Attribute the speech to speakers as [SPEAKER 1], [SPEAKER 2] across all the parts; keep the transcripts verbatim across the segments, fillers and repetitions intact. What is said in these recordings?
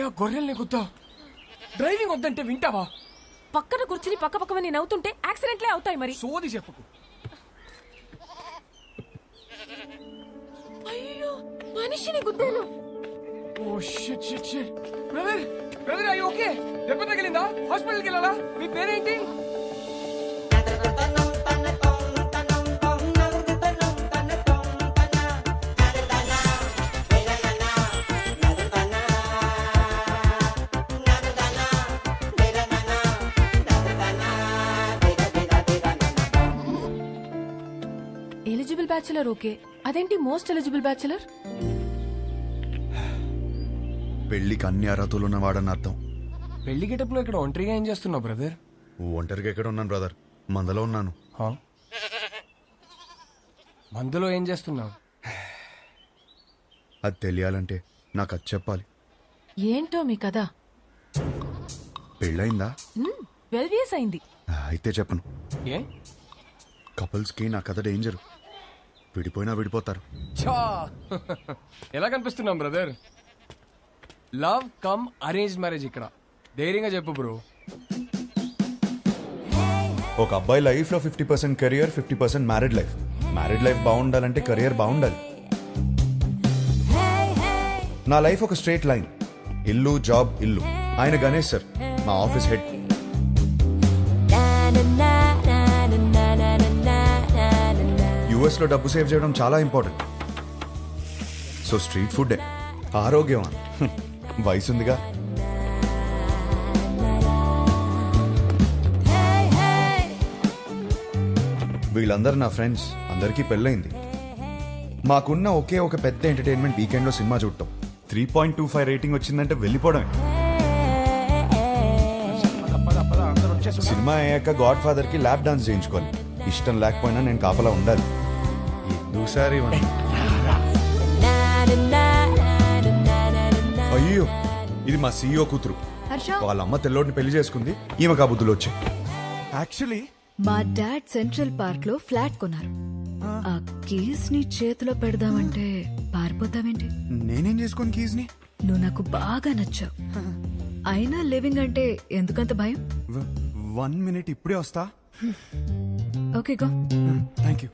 [SPEAKER 1] ఆ గొర్రెల్ని గుద్దా డ్రైవింగ్ వద్దంటే వింటావా?
[SPEAKER 2] పక్కన కూర్చుని పక్క పక్కమని నవ్వుతుంటే యాక్సిడెంట్లే అవుతాయి మరి.
[SPEAKER 1] సోది చెప్పుకు.
[SPEAKER 2] అయ్యో మనిషిని గుద్దాను.
[SPEAKER 1] Oh shit shit shit. Brother brother అయ్యో ఓకే. దెబ్బ తగిలిందా? హాస్పిటల్కి వెళ్ళాలా? మీ పేరేంటి?
[SPEAKER 2] ఎలిజిబుల్ బ్యాచులర్ ఓకే, అదేంటి మోస్ట్ ఎలిజిబుల్ బ్యాచులర్?
[SPEAKER 3] పెళ్లికి అన్ని అర్హతలు ఉన్నవాడని అర్థం.
[SPEAKER 1] పెళ్లి గెటప్లో ఇక్కడ ఒంటరిగా ఏం చేస్తున్నావు బ్రదర్?
[SPEAKER 3] ఒంటరిగా ఎక్కడ ఉన్నాను బ్రదర్, మందలో ఉన్నాను.
[SPEAKER 1] మందులో ఏం చేస్తున్నావు?
[SPEAKER 3] అది తెలియాలంటే నాకు అది చెప్పాలి.
[SPEAKER 2] ఏంటో మీ కదా?
[SPEAKER 3] పెళ్ళయిందా?
[SPEAKER 2] ట్వెల్వ్ ఇయర్స్ అయింది.
[SPEAKER 3] అయితే చెప్పను.
[SPEAKER 1] ఏ
[SPEAKER 3] కపుల్స్ కి నా కథ డేంజర్. విడిపోయినా విడిపోతారు.
[SPEAKER 1] చా ఎలా కనిపిస్తున్నాం brother? Love come arrange marriage ఇక్కడ. ధైర్యంగా చెప్పు బ్రో.
[SPEAKER 3] ఒక అబ్బాయి లైఫ్ లో fifty percent career, fifty percent married life. Married life బాగుండాలంటే కెరియర్ బాగుండాలి. నా లైఫ్ ఒక స్ట్రేట్ లైన్. ఇల్లు జాబ్ ఇల్లు. ఆయన గణేష్ సార్ మా ఆఫీస్ హెడ్. యుఎస్ లో డబ్బు సేవ్ చేయడం చాలా ఇంపార్టెంట్. సో స్ట్రీట్ ఫుడ్ ఆరోగ్యం. వయసుందిగా. వీళ్ళందరూ నా ఫ్రెండ్స్. అందరికీ పెళ్ళైంది. మాకున్న ఒకే ఒక పెద్ద ఎంటర్టైన్మెంట్ వీకెండ్ లో సినిమా చూడటం. Three point two five rating వచ్చిందంటే వెళ్ళిపోవడమే. సినిమా అయ్యాక గాడ్ ఫాదర్ కి ల్యాప్ డాన్స్ చేయించుకోవాలి. ఇష్టం లేకపోయినా నేను కాపలా ఉండాలి. ఎందుసారి అయ్యో ఇది మా సీఈఓ కూతురు. వాళ్ళ అమ్మ తెల్లోడిని పెళ్లి చేసుకుంది. ఈమె కాబుద్దులు వచ్చాయి.
[SPEAKER 4] యాక్చువల్లీ
[SPEAKER 5] మా డాడ్ సెంట్రల్ పార్క్ లో ఫ్లాట్ కొన్నారు. ఆ కీస్ ని చేతిలో పెడదామంటే పారిపోతావేంటి?
[SPEAKER 4] నేనేం చేసుకోను కీస్ ని.
[SPEAKER 5] నువ్వు నాకు బాగా నచ్చావు. అయినా లివింగ్ అంటే ఎందుకంత భయం?
[SPEAKER 4] వన్ మినిట్ ఇప్పుడే వస్తా.
[SPEAKER 5] Okay go.
[SPEAKER 4] Thank you.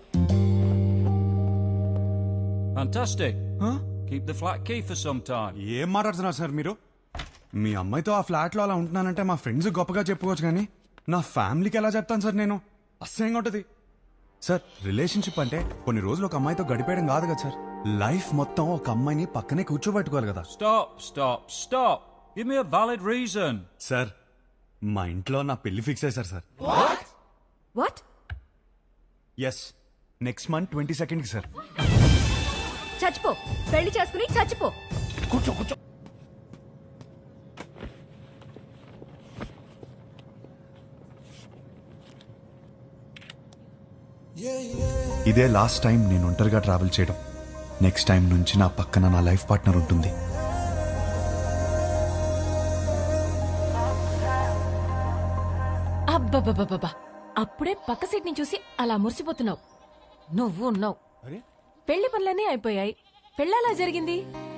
[SPEAKER 6] Fantastic.
[SPEAKER 4] Huh?
[SPEAKER 6] Keep the flat key for some time.
[SPEAKER 4] ఏం మాట్లాడుతున్నారు సార్ మీరు? మీ అమ్మాయితో ఆ ఫ్లాట్ లో అలా ఉంటున్నానంటే మా ఫ్రెండ్స్ గొప్పగా చెప్పుకోవచ్చు, కానీ నా ఫ్యామిలీకి ఎలా చెప్తాను సార్ నేను? అసహ్యంగా ఉంటుంది సార్. రిలేషన్షిప్ అంటే కొన్ని రోజులు ఒక అమ్మాయితో గడిపేయడం కాదు కదా సార్. లైఫ్ మొత్తం ఒక అమ్మాయిని పక్కనే కూర్చోబెట్టుకోవాలి కదా.
[SPEAKER 6] Stop, stop, stop. Give me a valid reason.
[SPEAKER 4] Sir మా ఇంట్లో నా పెళ్లి ఫిక్స్ అయ్యారు sir.
[SPEAKER 5] What?
[SPEAKER 4] Yes, next month twenty second కి సార్.
[SPEAKER 5] చచ్చిపో, పెళ్లి చేసుకుని చచ్చిపో.
[SPEAKER 1] కూర్చో కూర్చో.
[SPEAKER 3] ఇదే లాస్ట్ టైం నేను ఒంటరిగా ట్రావెల్ చేయడం. నెక్స్ట్ టైం నుంచి నా పక్కన నా లైఫ్ పార్ట్నర్ ఉంటుంది.
[SPEAKER 2] అబ్బబ్బబ్బబ్బా, అప్పుడే పక్క సీట్ ని చూసి అలా మురిసిపోతున్నావు. నువ్వు ఉన్నావు. పెళ్లి పనులన్నీ అయిపోయాయి. పెళ్ళలా జరిగింది.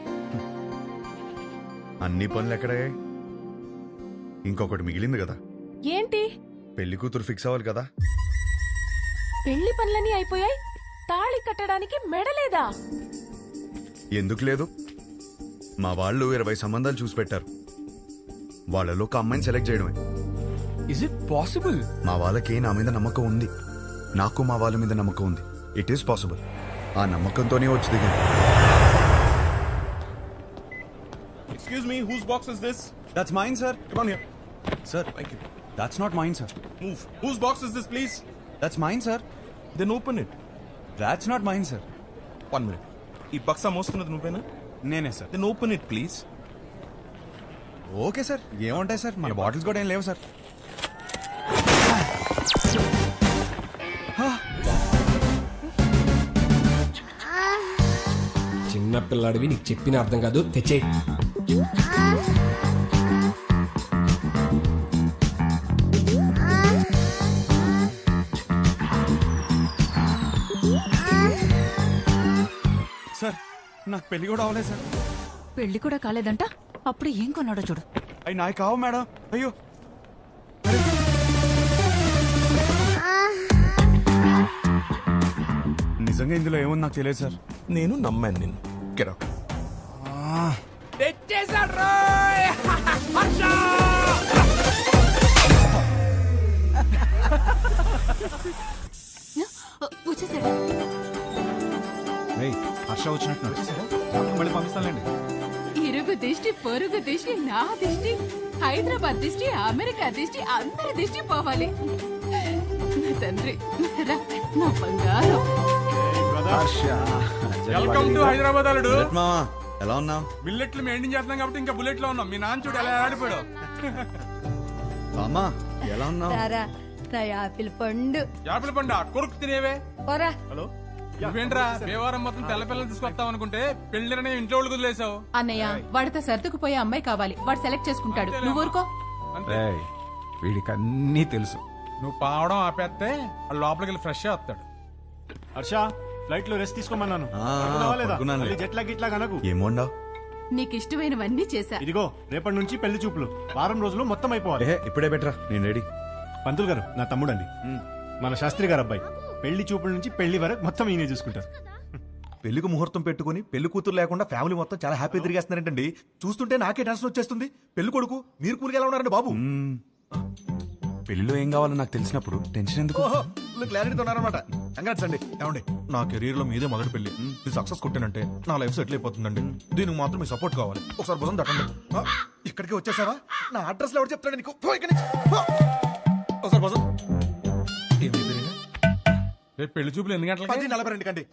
[SPEAKER 3] అన్ని పనులు ఎక్కడే? ఇంకొకటి మిగిలింది కదా.
[SPEAKER 2] ఏంటి?
[SPEAKER 3] పెళ్లి కూతురు ఫిక్స్ అవ్వాలి కదా.
[SPEAKER 2] పెళ్లి పనులన్నీ అయిపోయాయి, తాళి కట్టడానికి మెడలేదా?
[SPEAKER 3] ఎందుకు లేదు? మా వాళ్ళు ఇరవై సంబంధాలు చూసి పెట్టారు. వాళ్ళలో ఒక అమ్మాయిని సెలెక్ట్ చేయడమే.
[SPEAKER 1] Is it possible?
[SPEAKER 3] మా వాళ్ళకి నా మీద నమ్మకం ఉంది. నాకు మా వాళ్ళ మీద నమ్మకం ఉంది. It is possible. ఆ నమ్మకంతోనే వచ్చి దిగాను.
[SPEAKER 7] Excuse me, whose box is this?
[SPEAKER 4] That's mine sir.
[SPEAKER 7] Come on here.
[SPEAKER 4] Sir
[SPEAKER 7] Thank you.
[SPEAKER 4] That's not mine sir.
[SPEAKER 7] Move. Whose box is this, please?
[SPEAKER 4] That's mine sir.
[SPEAKER 7] Then open it.
[SPEAKER 4] That's not mine sir.
[SPEAKER 7] One minute. ఈ బక్సా మోస్తున్నది నువ్వేనా?
[SPEAKER 4] నేనే సార్.
[SPEAKER 7] Then open it, please.
[SPEAKER 4] Okay sir, ఏముంటాయి sir, మన bottles కూడా ఏం లేవు సార్.
[SPEAKER 1] చిన్న పిల్లాడివి, నీకు చెప్పిన అర్థం కాదు. తెచ్చే
[SPEAKER 4] సార్ నాకు పెళ్లి కూడా అవ్వలేదు సార్.
[SPEAKER 5] పెళ్లి కూడా కాలేదంట.
[SPEAKER 8] అప్పుడు ఏం కొన్నాడో చూడు.
[SPEAKER 4] అవి నాయి కావు మేడం. అయ్యో నిజంగా ఇందులో ఏముంది నాకు తెలియదు సార్.
[SPEAKER 7] నేను నమ్మాను నిన్ను. Get out.
[SPEAKER 8] వచ్చేసాడు.
[SPEAKER 4] ఏయ్, హర్ష వచ్చినట్టు వచ్చేసారా? మళ్ళీ పంపిస్తానులేండి.
[SPEAKER 9] ఇరుగు దిష్టి పొరుగు దిష్టి నా దిష్టి హైదరాబాద్ దిష్టి అమెరికా దిష్టి అందరి దిష్టి పోవాలి. నా తండ్రి రా, నా బంగారం.
[SPEAKER 4] వెల్కమ్ టు హైదరాబాద్ అల్లుడు.
[SPEAKER 3] మామా ఎలా ఉన్నావు?
[SPEAKER 4] బిల్లెట్లు మెయింటైన్ చేస్తున్నాం కాబట్టి ఇంకా బుల్లెట్ లో ఉన్నాం. మీ నాన్న చూడు ఎలా ఆడిపోయాడు.
[SPEAKER 3] మామా ఎలా ఉన్నావు?
[SPEAKER 8] నా యాపిల్ పండు.
[SPEAKER 4] యాపిల్ పండు కొరుకు తినేవే.
[SPEAKER 8] పోరా.
[SPEAKER 4] హలో నువ్వేంట్రా దేవారం మొత్తం తెల్ల పిల్లలు తీసుకొస్తావు అనుకుంటే పెళ్లిరనే ఇంట్లో వాళ్ళు వదిలేసావు.
[SPEAKER 9] అన్నయ్య వాడితో సర్దుకుపోయే అమ్మాయి కావాలి. వాడు సెలెక్ట్ చేసుకుంటాడు. నువ్వు ఊరుకో.
[SPEAKER 10] వీడికి అన్నీ తెలుసు.
[SPEAKER 4] నువ్వు పావడం ఆపేస్తే వాడు లోపలికి వెళ్ళి ఫ్రెష్ వస్తాడు.
[SPEAKER 10] హర్ష ఫ్లైట్ లో రెస్ట్ తీసుకోమన్నాను.
[SPEAKER 3] ఆ, పడుకున్నానులే.
[SPEAKER 10] జెట్లా గిట్లా కనకు.
[SPEAKER 3] ఏమోండావు?
[SPEAKER 9] నీకు ఇష్టమైనవన్నీ చేశా.
[SPEAKER 10] ఇదిగో రేపటి నుంచి పెళ్లి చూపులు వారం రోజులు మొత్తం అయిపోవాలి.
[SPEAKER 3] ఏ ఇప్పుడే బెటరా, నేను రెడీ.
[SPEAKER 10] పంతులు గారు నా తమ్ముడండి, మన శాస్త్రి గారు అబ్బాయి. పెళ్లి చూపుల నుంచి పెళ్లి వరకు మొత్తం ఈయనే చూసుకుంటారు.
[SPEAKER 11] పెళ్లికి ముహూర్తం పెట్టుకుని పెళ్లి కూతురు లేకుండా ఫ్యామిలీ మొత్తం చాలా హ్యాపీ తిరిగేస్తున్నారంటండి. చూస్తుంటే నాకే టెన్షన్ వచ్చేస్తుంది. పెళ్లి కొడుకు మీరు కూలికి ఎలా ఉన్నారండి బాబు?
[SPEAKER 4] పెళ్లిలో ఏం కావాలో నాకు తెలిసినప్పుడు టెన్షన్ ఎందుకు?
[SPEAKER 11] క్లారిటీతో ఉన్నారనమాట. కంగ్రాట్స్ అండి. ఏమండి నా కెరీర్ లో మీదే మొదటి పెళ్లి. ఇది సక్సెస్ కొట్టానంటే నా లైఫ్ సెటిల్ అయిపోతుందండి. దీనికి మాత్రం మీ సపోర్ట్ కావాలి. ఒకసారి భుజం తట్టండి. ఆ, ఇక్కడికి వచ్చేసావా? నా అడ్రస్ లో ఎవరు చెప్తాడు నీకు? పో ఇక్కడి నుంచి. పో. ఒకసారి భుజం. ఏమి పేరు?
[SPEAKER 4] రేపు పెళ్లి చూపులు ఎన్ని
[SPEAKER 11] పది
[SPEAKER 4] గంటలకి?
[SPEAKER 11] నలభై రెండు కండి.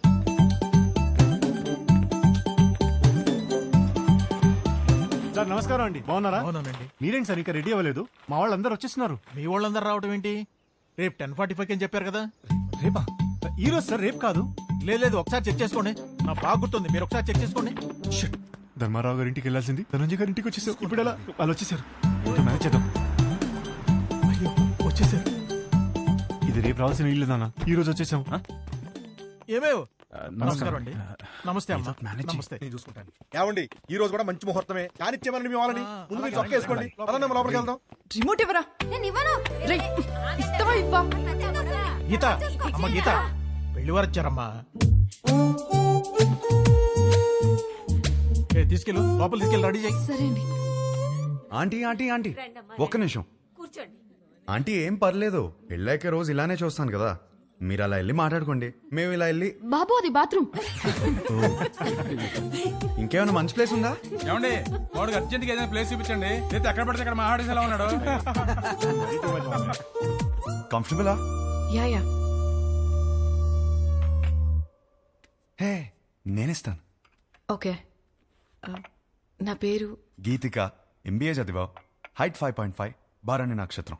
[SPEAKER 10] సార్ నమస్కారం అండి, బాగున్నారా?
[SPEAKER 11] అవునండి.
[SPEAKER 10] మీరేంటి సార్ ఇంకా రెడీ అవ్వలేదు? మా వాళ్ళందరూ వచ్చేస్తున్నారు.
[SPEAKER 11] మీ వాళ్ళందరూ రావడం ఏంటి? రేపు టెన్ ఫార్టీ ఫైవ్ అని చెప్పారు కదా.
[SPEAKER 10] రేపా? ఈ రోజు సార్, రేపు కాదు.
[SPEAKER 11] లేదు లేదు ఒకసారి చెక్ చేసుకోండి. నా బాగా గుర్తుంది, మీరు ఒకసారి చెక్ చేసుకోండి.
[SPEAKER 10] షిట్. ధర్మారావు గారి ఇంటికి వెళ్ళాల్సింది ధనంజయ్ గారి ఇంటికి వచ్చేసారు. ఇప్పుడు ఎలా? వాళ్ళు వచ్చేసారు. ఇంకా మేనేజ్ చేద్దాం.
[SPEAKER 11] అయ్యో వచ్చేసారు.
[SPEAKER 10] ఇది రేపు రావాల్సిన ఇల్లు నాన్న, ఈ రోజు వచ్చేసాం.
[SPEAKER 11] ఏమేవ్ నమస్కారం అండి. నమస్తే అమ్మా. నమస్తే. నేను చూసుకుంటాను. ఏమండి ఈ రోజు కూడా మంచి ముహూర్తమే. కానిచ్చేమని మీ వాళ్ళని ముందు మీరు చొక్క వేసుకోండి. పదండి అమ్మ, లోపలికి వెళ్దాం.
[SPEAKER 8] రిమోట్ ఇవ్వరా. నేను ఇవ్వను.
[SPEAKER 9] ఇస్తావా ఇవ్వా?
[SPEAKER 11] గీత అమ్మ, గీత పెళ్లి వారు వచ్చారమ్మా. ఏ, తీసుకెళ్ళు లోపల తీసుకెళ్ళి రెడీ చేయి.
[SPEAKER 8] సరే అండి.
[SPEAKER 3] ఆంటీ ఆంటీ ఆంటీ ఒక్క నిమిషం. ఆంటీ ఏం పర్లేదు, పెళ్ళాక రోజు ఇలానే చూస్తాను కదా. మీరు అలా వెళ్ళి మాట్లాడుకోండి, మేము ఇలా వెళ్ళి.
[SPEAKER 9] బాబు అది బాత్రూమ్.
[SPEAKER 3] ఇంకేమైనా మంచి ప్లేస్ ఉందా?
[SPEAKER 4] ఏమండి వాడికి అర్జెంట్ గా ఏదైనా ప్లేస్ చూపించండి. లేదా ఎక్కడ పడితే అక్కడ మా ఆడేసి ఎలా ఉన్నాడు.
[SPEAKER 3] కంఫర్టబులా?
[SPEAKER 2] Yeah yeah.
[SPEAKER 3] హే నేనిస్తాను.
[SPEAKER 2] ఓకే. ఆ, నా పేరు
[SPEAKER 3] గీతిక, ఎంబీఏ చదివావు, height five point five, Bharani నక్షత్రం.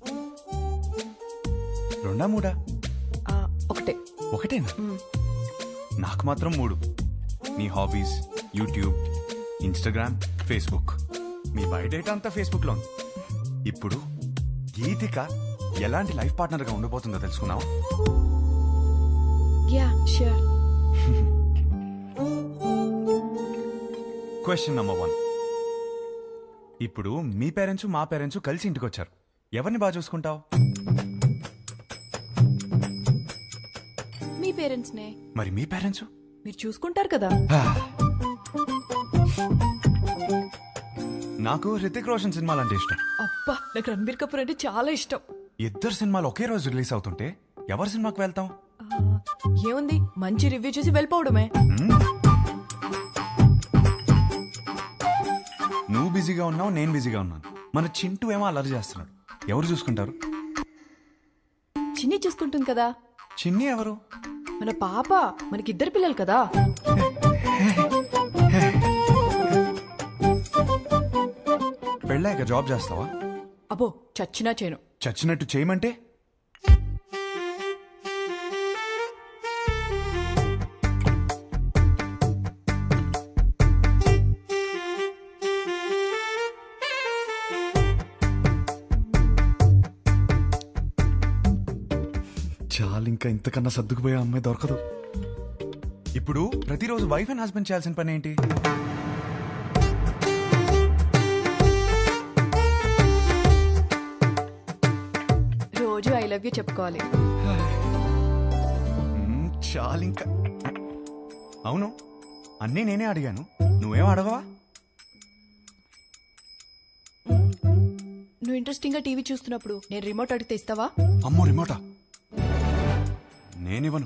[SPEAKER 3] రెండా మూడా?
[SPEAKER 2] ఆ, ఒకటే.
[SPEAKER 3] ఒకటేనా? నాకు మాత్రం మూడు. మీ హాబీస్, యూట్యూబ్, ఇన్స్టాగ్రామ్, ఫేస్బుక్. మీ బయోడేటా అంతా ఫేస్బుక్ లో ఉంది. ఇప్పుడు గీతిక ఎలాంటి లైఫ్ పార్ట్నర్ గా ఉండబోతుందో తెలుసుకున్నావా?
[SPEAKER 2] Yeah sure.
[SPEAKER 3] Question number one. ఇప్పుడు మీ పేరెంట్స్ మా పేరెంట్స్ కలిసి ఇంటికి వచ్చారు. ఎవరిని బాగా చూసుకుంటావు?
[SPEAKER 2] మీ పేరెంట్స్ నే.
[SPEAKER 3] మరి మీ పేరెంట్స్?
[SPEAKER 2] మీరు చూసుకుంటారు కదా.
[SPEAKER 3] నాకు హృతిక్ రోషన్ సినిమాలు అంటే ఇష్టం.
[SPEAKER 2] అబ్బా, నాకు రణబీర్ కపూర్ అంటే చాలా ఇష్టం.
[SPEAKER 3] ఇద్దరు సినిమాలు ఒకే రోజు రిలీజ్ అవుతుంటే ఎవరి సినిమాకి వెళ్తాం?
[SPEAKER 2] ఆ, ఏముంది, మంచి రివ్యూ చూసి వెళ్ళిపోవడమే.
[SPEAKER 3] నువ్వు బిజీగా ఉన్నావు, నేను బిజీగా ఉన్నాను. మన చింటూ ఏమో అల్లరి చేస్తున్నాడు. ఎవరు చూసుకుంటారు?
[SPEAKER 2] చిన్ని చూసుకుంటుంది కదా.
[SPEAKER 3] చిన్ని ఎవరు?
[SPEAKER 2] మన పాప. మనకిద్దరు పిల్లలు కదా.
[SPEAKER 3] పెళ్ళాక జాబ్ చేస్తావా?
[SPEAKER 2] అబ్బో, చచ్చినా చేయను.
[SPEAKER 3] చచ్చినట్టు చేయమంటే? చాలు, ఇంకా ఇంతకన్నా సర్దుకుపోయే అమ్మాయి దొరకదు. ఇప్పుడు ప్రతిరోజు వైఫ్ అండ్ హస్బెండ్ చేయాల్సిన పని ఏంటి?
[SPEAKER 5] లవ్ యూ చెప్పుకోవాలి.
[SPEAKER 3] మ్మ్, చాలు ఇంకా. అవును అన్నీ నేనే అడిగాను, నువ్వేం అడగవా?
[SPEAKER 5] నువ్వు ఇంట్రెస్టింగ్ గా టీవీ చూస్తున్నప్పుడు నేను రిమోట్ అడిగితే ఇస్తావా?
[SPEAKER 3] అమ్మో రిమోటా? నేనివ్వను.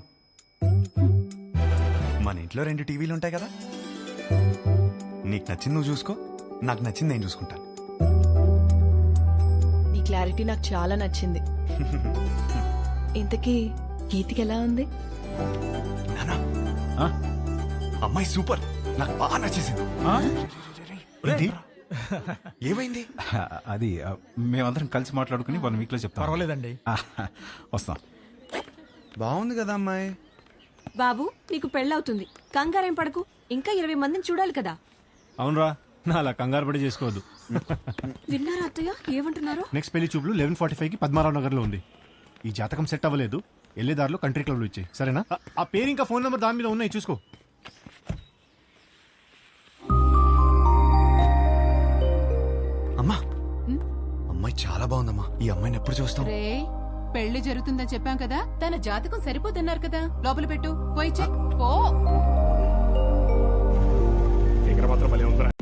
[SPEAKER 3] మన ఇంట్లో రెండు టీవీలు ఉంటాయి కదా, నీకు నచ్చింది నువ్వు చూసుకో, నాకు నచ్చింది నేను చూసుకుంటాను.
[SPEAKER 5] నీ క్లారిటీ నాకు చాలా నచ్చింది. ఇంతకీ గీతికి ఎలా ఉంది?
[SPEAKER 3] నానా
[SPEAKER 10] ఆ?
[SPEAKER 3] అమ్మాయి సూపర్, నాకు బాగా నచ్చేసింది.
[SPEAKER 10] ఆ? ఏంటి?
[SPEAKER 3] ఏమైంది?
[SPEAKER 6] అది ఆ, మేమందరం కలిసి మాట్లాడుకుని వన్ వీక్ లో చెప్తాం.
[SPEAKER 11] పర్వాలేదండి.
[SPEAKER 6] ఆ, వస్తాం.
[SPEAKER 3] బాగుంది కదా అమ్మాయి.
[SPEAKER 2] బాబు నీకు పెళ్ళవుతుంది, కంగారేం పడకు, ఇంకా ఇరవై మందిని చూడాలి కదా.
[SPEAKER 10] అవునరా, నా అలా కంగారు పడి చేసుకోవద్దు.
[SPEAKER 2] విన్నారా అత్తయ్య ఏమంటున్నారు?
[SPEAKER 10] నెక్స్ట్ పెళ్లి చూపులు లెవెన్ ఫార్టీ ఫైవ్ కి పద్మారావు నగర్ లో ఉంది. ఈ జాతకం సెట్ అవ్వలేదు, వెళ్ళేదారిలో కంట్రీ క్లబ్ లో ఇచ్చాయి, సరేనా? ఆ- ఆ పేరు ఇంకా ఫోన్ నెంబర్ దాని మీద ఉన్నాయి, చూసుకో.
[SPEAKER 3] అమ్మా అమ్మాయి చాలా బాగుందమ్మా, ఈ అమ్మాయిని ఎప్పుడు చూస్తాం?
[SPEAKER 9] రే పెళ్లి జరుగుతుందని చెప్పాం కదా, తన జాతకం సరిపోతున్నారు కదా, లోపల పెట్టు, పోయి చెక్ పో.
[SPEAKER 10] మాత్రం